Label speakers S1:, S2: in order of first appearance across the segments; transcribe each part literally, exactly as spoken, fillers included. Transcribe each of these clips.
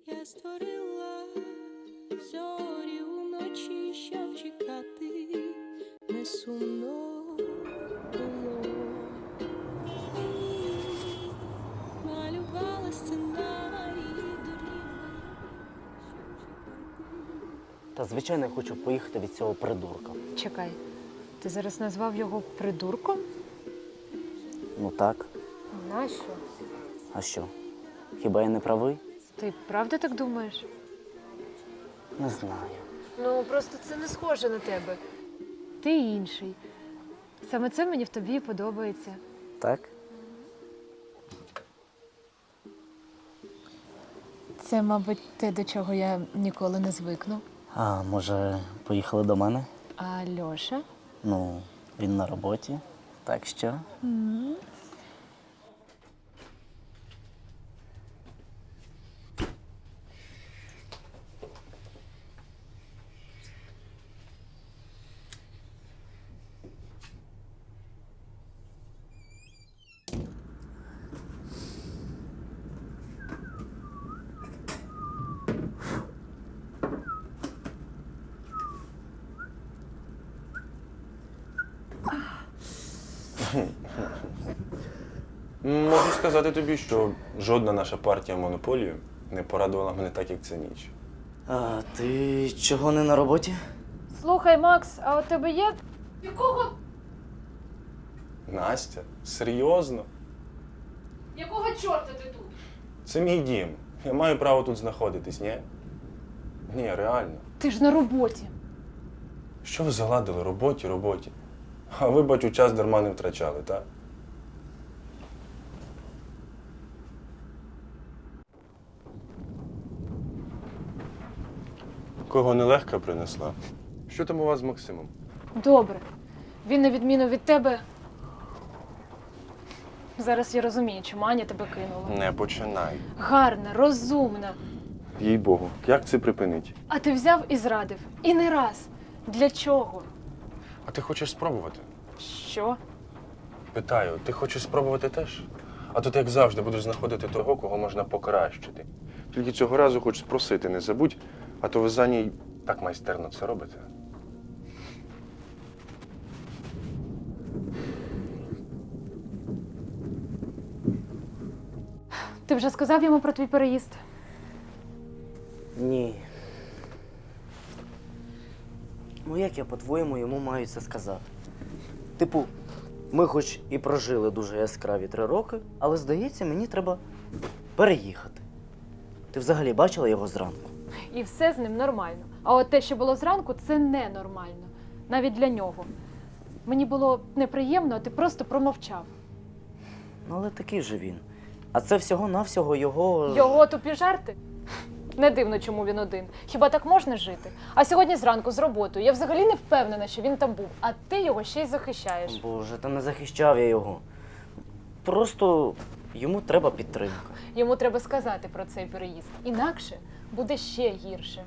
S1: Я створила зорі уночі, щоб чекати, не сумно було. Малювала сценарії доріг, щоб чекати.
S2: Та звичайно, я хочу поїхати від цього придурка.
S3: Чекай, ти зараз назвав його придурком?
S2: Ну так,
S3: Нащо?
S2: а що? Хіба я не правий?
S3: Ти правда так думаєш?
S2: Не знаю.
S3: Ну, просто це не схоже на тебе. Ти інший. Саме це мені в тобі подобається.
S2: Так?
S3: Це, мабуть, те, до чого я ніколи не звикну.
S2: А може, поїхали до мене?
S3: А Льоша?
S2: Ну, він на роботі. Так що?
S4: Можу сказати тобі, що жодна наша партія монополію не порадувала мене так, як ця ніч.
S2: А ти чого не на роботі?
S3: Слухай, Макс, а у тебе є? Якого?
S4: Настя, серйозно?
S3: Якого чорта ти тут?
S4: Це мій дім. Я маю право тут знаходитись, ні? Ні, реально.
S3: Ти ж на роботі.
S4: Що ви заладили? Роботі, роботі. А ви, бачу, час дарма не втрачали, так? Кого нелегка принесла? Що там у вас з Максимом?
S3: Добре. Він, на відміну від тебе. Зараз я розумію, чому Аня тебе кинула.
S4: Не починай.
S3: Гарна, розумна.
S4: Їй-богу, як це припинить?
S3: А ти взяв і зрадив. І не раз. Для чого?
S4: А ти хочеш спробувати?
S3: Що?
S4: Питаю, ти хочеш спробувати теж? А тут, як завжди, будеш знаходити того, кого можна покращити. Тільки цього разу хоч спросити не забудь, а то ви за ній так майстерно це робите.
S3: Ти вже сказав йому про твій переїзд?
S2: Ні. Ну як я, по-твоєму, йому маю це сказати? Типу, ми хоч і прожили дуже яскраві три роки, але, здається, мені треба переїхати. Ти взагалі бачила його зранку?
S3: І все з ним нормально. А от те, що було зранку, це ненормально. Навіть для нього. Мені було неприємно, а ти просто промовчав.
S2: Ну, але такий же він. А це всього-навсього його...
S3: Його тупі жарти? Не дивно, чому він один. Хіба так можна жити? А сьогодні зранку з роботою. Я взагалі не впевнена, що він там був. А ти його ще й захищаєш.
S2: Боже, та не захищав я його. Просто йому треба підтримка.
S3: Йому треба сказати про цей переїзд. Інакше буде ще гірше.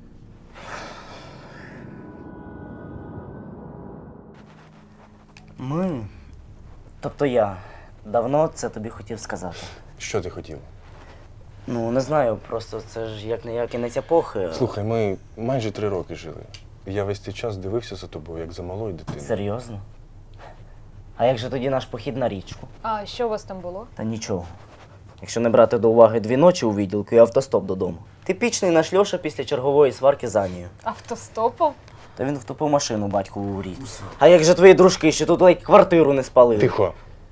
S2: Ми, тобто я, давно це тобі хотів сказати.
S4: Що ти хотів?
S2: Ну, не знаю, просто це ж як не як кінець епохи.
S4: Слухай, ми майже три роки жили. Я весь цей час дивився за тобою, як за малою дитиною.
S2: Серйозно? А як же тоді наш похід на річку?
S3: А що у вас там було?
S2: Та нічого. Якщо не брати до уваги дві ночі у відділку і автостоп додому. Типічний наш Льоша після чергової сварки з Анією.
S3: Автостопом?
S2: Та він втопив машину батькову у річці. А як же твої дружки, що тут ледь квартиру не спалили?
S4: Тихо.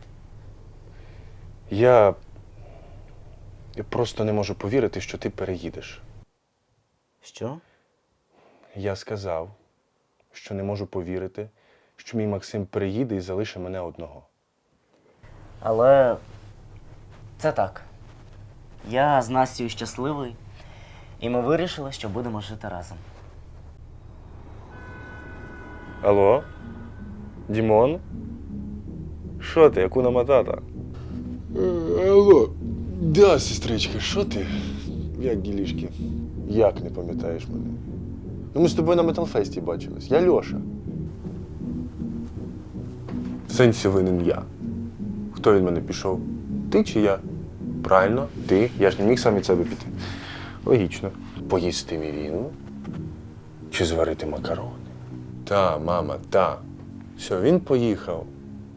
S4: Я... Я просто не можу повірити, що ти переїдеш.
S2: Що?
S4: Я сказав, що не можу повірити, що мій Максим переїде і залишить мене одного.
S2: Але це так. Я з Настю щасливий, і ми вирішили, що будемо жити разом.
S4: Алло? Дімон? Що ти, Акуна Матата? Е, алло. Да, сестричка, що ти? Як ділішки? Як не пам'ятаєш мене? Ну ми з тобою на Металфесті бачились. Я Льоша. В сенсі винен я. Хто від мене пішов? Ти чи я? Правильно, ти. Я ж не міг сам від себе піти. Логічно.
S5: Поїсти мівіну чи зварити макарони? Та, мама, та. Все, він поїхав.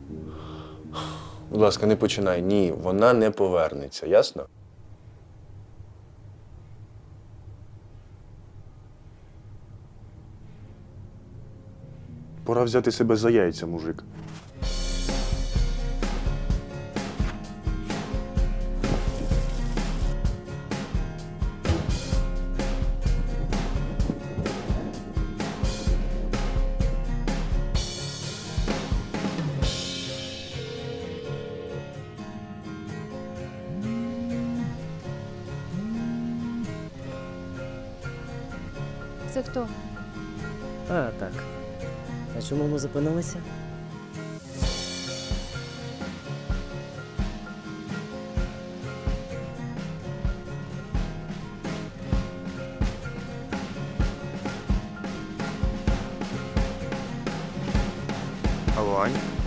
S5: Будь ласка, не починай. Ні, вона не повернеться, ясно?
S4: Пора взяти себе за яйця, мужик.
S3: Це хто?
S2: А, так. А чому ми зупинилися?
S4: Алло, Ань?